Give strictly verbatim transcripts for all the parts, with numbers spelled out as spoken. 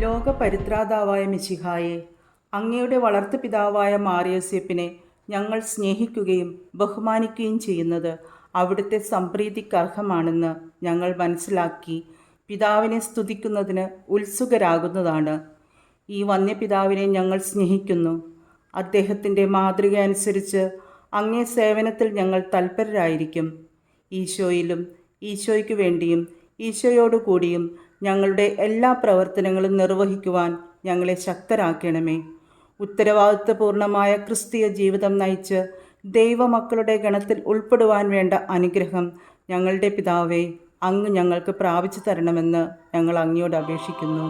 ലോകപരിത്രാതാവായ മിശിഹായെ, അങ്ങയുടെ വളർത്തുപിതാവായ മാർയോസേപ്പിനെ ഞങ്ങൾ സ്നേഹിക്കുകയും ബഹുമാനിക്കുകയും ചെയ്യുന്നത് അവിടുത്തെ സംപ്രീതിക്കർഹമാണെന്ന് ഞങ്ങൾ മനസ്സിലാക്കി പിതാവിനെ സ്തുതിക്കുന്നതിന് ഉത്സുകരാകുന്നതാണ്. ഈ വന്യപിതാവിനെ ഞങ്ങൾ സ്നേഹിക്കുന്നു. അദ്ദേഹത്തിൻ്റെ മാതൃക അനുസരിച്ച് അങ്ങേ സേവനത്തിൽ ഞങ്ങൾ തൽപരരായിരിക്കും. ഈശോയിലും ഈശോയ്ക്ക് വേണ്ടിയും ഈശോയോടു കൂടിയും ഞങ്ങളുടെ എല്ലാ പ്രവർത്തനങ്ങളും നിർവഹിക്കുവാൻ ഞങ്ങളെ ശക്തരാക്കണമേ. ഉത്തരവാദിത്വപൂർണമായ ക്രിസ്തീയ ജീവിതം നയിച്ച് ദൈവമക്കളുടെ ഗണത്തിൽ ഉൾപ്പെടുവാൻ വേണ്ട അനുഗ്രഹം ഞങ്ങളുടെ പിതാവേ, അങ്ങ് ഞങ്ങൾക്ക് പ്രാപിച്ചു തരണമെന്ന് ഞങ്ങൾ അങ്ങയോട് അപേക്ഷിക്കുന്നു.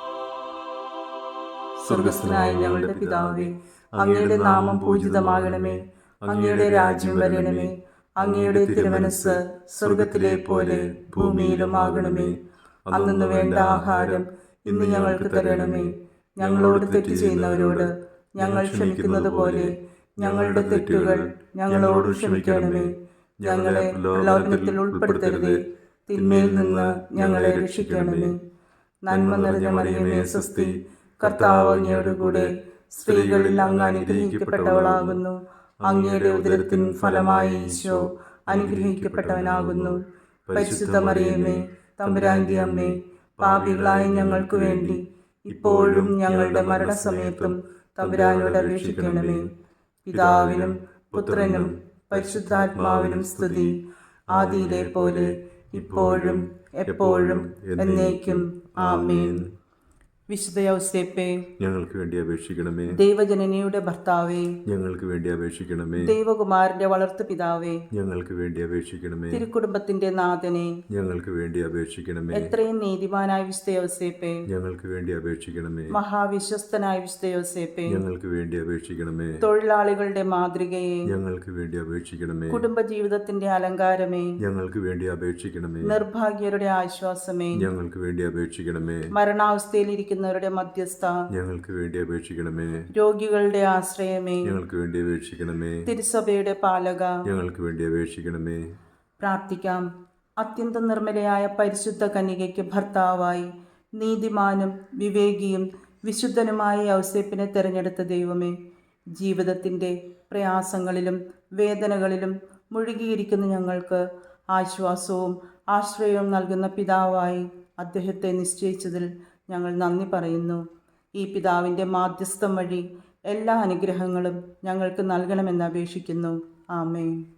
സ്വർഗസ്ഥനായ ഞങ്ങളുടെ പിതാവേ, അങ്ങയുടെ നാമം പൂജിതമാകണമേ. അങ്ങയുടെ രാജ്യം വരണമേ. അങ്ങയുടെ തിരുമനസ് സ്വർഗത്തിലെ പോലെ ഭൂമിയിലും ആകണമേ. അന്നു വേണ്ട ആഹാരം ഇന്ന് ഞങ്ങൾക്ക് തരണമേ. ഞങ്ങളോട് തെറ്റ് ചെയ്യുന്നവരോട് ഞങ്ങൾ ക്ഷമിക്കുന്നത് പോലെ ഞങ്ങളുടെ തെറ്റുകൾ ഞങ്ങളോട് ക്ഷമിക്കണമേ. ഞങ്ങളെ പ്രലോഭനത്തിൽ ഉൾപ്പെടുത്തരുതേ, തിന്മയിൽ നിന്ന് ഞങ്ങളെ രക്ഷിക്കണമേ. നന്മ നിറഞ്ഞ മറിയമേ സ്വസ്തി, കർത്താവ് അങ്ങയോടുകൂടെ സ്ത്രീകളിൽ അങ്ങ് അനുഗ്രഹിക്കപ്പെട്ടവളാകുന്നു. അങ്ങയുടെ ഉദരത്തിൻ ഫലമായി ഈശോ അനുഗ്രഹിക്കപ്പെട്ടവനാകുന്നു. പരിശുദ്ധ മറിയമേ, തമ്പുരാന്റെ അമ്മേ, പാപികളായ ഞങ്ങൾക്ക് വേണ്ടി ഇപ്പോഴും ഞങ്ങളുടെ മരണസമയത്തും തമ്പുരാനോട് അപേക്ഷിക്കണമേ. പിതാവിനും പുത്രനും പരിശുദ്ധാത്മാവിനും സ്തുതി, ആദിയിലെ പോലെ ഇപ്പോഴും എപ്പോഴും എന്നേക്കും. ആമേൻ. വിശുദ്ധ യൗസേപ്പേ, ഞങ്ങൾക്ക് വേണ്ടി അപേക്ഷിക്കണമേ. ദൈവജനനിയുടെ ഭർത്താവേ, ഞങ്ങൾക്ക് വേണ്ടി അപേക്ഷിക്കണമേ. ദൈവകുമാരന്റെ വളർത്തു പിതാവേ, ഞങ്ങൾക്ക് വേണ്ടി അപേക്ഷിക്കണമേ. തിരുക്കുടുംബത്തിന്റെ നാഥനെ, ഞങ്ങൾക്ക് വേണ്ടി അപേക്ഷിക്കണമേ. എത്രയും നീതിമാനായ വിശുദ്ധ യൗസേപ്പേ, ഞങ്ങൾക്ക് വേണ്ടി അപേക്ഷിക്കണമേ. മഹാവിശ്വസ്തനായ വിശുദ്ധ യൗസേപ്പേ, ഞങ്ങൾക്ക് വേണ്ടി അപേക്ഷിക്കണമേ. തൊഴിലാളികളുടെ മാതൃകയെ, ഞങ്ങൾക്ക് വേണ്ടി അപേക്ഷിക്കണമേ. കുടുംബജീവിതത്തിന്റെ അലങ്കാരമേ, ഞങ്ങൾക്ക് വേണ്ടി അപേക്ഷിക്കണമേ. നിർഭാഗ്യരുടെ ആശ്വാസമേ, ഞങ്ങൾക്ക് വേണ്ടി അപേക്ഷിക്കണമേ. മരണാവസ്ഥയിലിരിക്കുന്ന മധ്യസ്ഥ, ഞങ്ങൾക്ക് വേണ്ടി അപേക്ഷിക്കണമേ. രോഗികളുടെ ആശ്രയമേ, ഞങ്ങൾക്ക് വേണ്ടി അപേക്ഷിക്കണമേ. തിരുസഭയുടെ പാലക, ഞങ്ങൾക്ക് വേണ്ടി അപേക്ഷിക്കണമേ. പ്രാർത്ഥിക്കാം. അത്യന്തം നിർമ്മലയായ പരിശുദ്ധ കന്യകയ്ക്ക് ഭർത്താവായി നീതിമാനും വിവേകിയും വിശുദ്ധനുമായ യൗസേപ്പിനെ തെരഞ്ഞെടുത്ത ദൈവമേ, ജീവിതത്തിൻ്റെ പ്രയാസങ്ങളിലും വേദനകളിലും മുഴുകിയിരിക്കുന്ന ഞങ്ങൾക്ക് ആശ്വാസവും ആശ്രയവും നൽകുന്ന പിതാവായി അദ്ദേഹത്തെ നിശ്ചയിച്ചതിൽ ഞങ്ങൾ നന്ദി പറയുന്നു. ഈ പിതാവിൻ്റെ മാധ്യസ്ഥം വഴി എല്ലാ അനുഗ്രഹങ്ങളും ഞങ്ങൾക്ക് നൽകണമെന്ന് അപേക്ഷിക്കുന്നു. ആമേൻ.